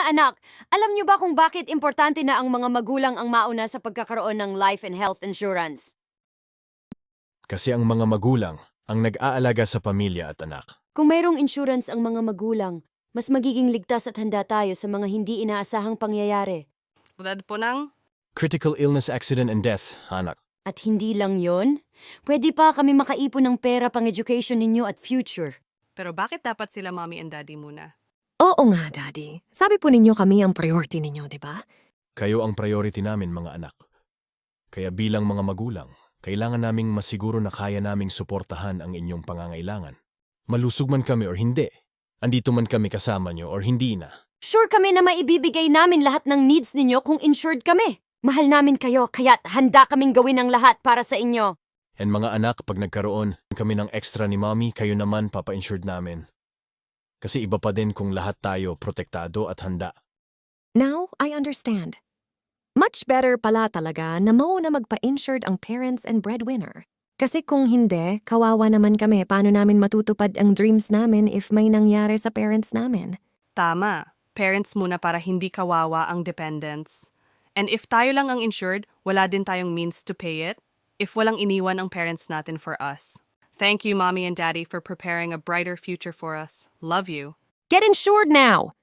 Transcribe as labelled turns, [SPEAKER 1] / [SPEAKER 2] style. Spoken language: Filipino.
[SPEAKER 1] Mga anak, alam niyo ba kung bakit importante na ang mga magulang ang mauna sa pagkakaroon ng life and health insurance?
[SPEAKER 2] Kasi ang mga magulang ang nag-aalaga sa pamilya at anak.
[SPEAKER 1] Kung mayroong insurance ang mga magulang, mas magiging ligtas at handa tayo sa mga hindi inaasahang pangyayari.
[SPEAKER 3] Tulad po ng,
[SPEAKER 2] Critical illness, accident, and death, anak.
[SPEAKER 1] At hindi lang yon, pwede pa kami makaipon ng pera pang education ninyo at future.
[SPEAKER 3] pero bakit dapat sila mommy and daddy muna?
[SPEAKER 4] Oo nga, Daddy. Sabi po ninyo kami ang priority ninyo, di ba?
[SPEAKER 2] Kayo ang priority namin, mga anak. Kaya bilang mga magulang, kailangan naming masiguro na kaya naming suportahan ang inyong pangangailangan. Malusog man kami or hindi, andito man kami kasama nyo or hindi na.
[SPEAKER 1] Sure kami na maibibigay namin lahat ng needs ninyo kung insured kami. Mahal namin kayo, kaya't handa kaming gawin ang lahat para sa inyo.
[SPEAKER 2] And mga anak, pag nagkaroon kami ng extra ni mommy, kayo naman papa-insured namin. Kasi iba pa din kung lahat tayo protektado at handa.
[SPEAKER 4] Now, I understand. Much better pala talaga na mauna magpa-insured ang parents and breadwinner. Kasi kung hindi, kawawa naman kami paano namin matutupad ang dreams namin if may nangyari sa parents namin.
[SPEAKER 3] Tama, parents muna para hindi kawawa ang dependents. And if tayo lang ang insured, wala din tayong means to pay it. If walang iniwan ang parents natin for us. Thank you, mommy and daddy, for preparing a brighter future for us. Love you.
[SPEAKER 4] Get insured now!